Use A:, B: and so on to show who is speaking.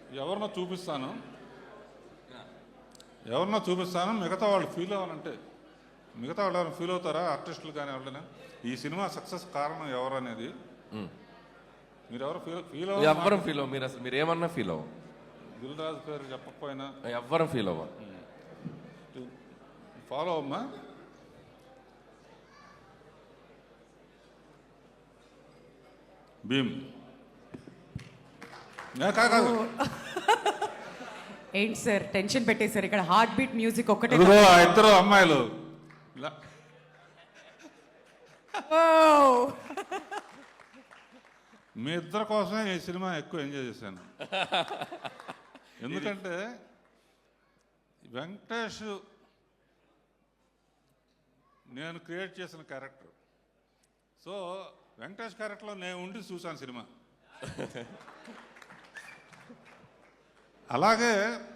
A: ఎవరినో చూపిస్తాను, మిగతా వాళ్ళు ఫీల్ అవ్వాలంటే, మిగతా వాళ్ళు ఎవరైనా ఫీల్ అవుతారా? ఆర్టిస్టులు కానీ ఎవరైనా ఈ సినిమా సక్సెస్ కారణం ఎవరు అనేది మీరు ఎవరు ఫీల్
B: ఎవ్వరం ఫీల్ అవ్వ. మీరు అసలు మీరు ఏమన్నా ఫీల్ అవ్వ.
A: దిల్ రాజు పేరు చెప్పకపోయినా
B: ఎవ్వరం ఫీల్ అవ్వ.
A: ఫాలో అమ్మా. భీమ్ కాదు,
C: ఏంటి సార్ టెన్షన్ పెట్టేశారు ఇక్కడ? హార్ట్ బీట్ మ్యూజిక్ ఒక్కటే.
A: ఇదిగో ఆ ఇద్దరు అమ్మాయిలు ఇలా మీ ఇద్దరి కోసమే ఈ సినిమా ఎక్కువ ఎంజాయ్ చేశాను. ఎందుకంటే వెంకటేష్ నేను క్రియేట్ చేసిన క్యారెక్టర్. సో వెంకటేష్ క్యారెక్టర్లో నేను ఉండి చూశాను సినిమా. అలాగే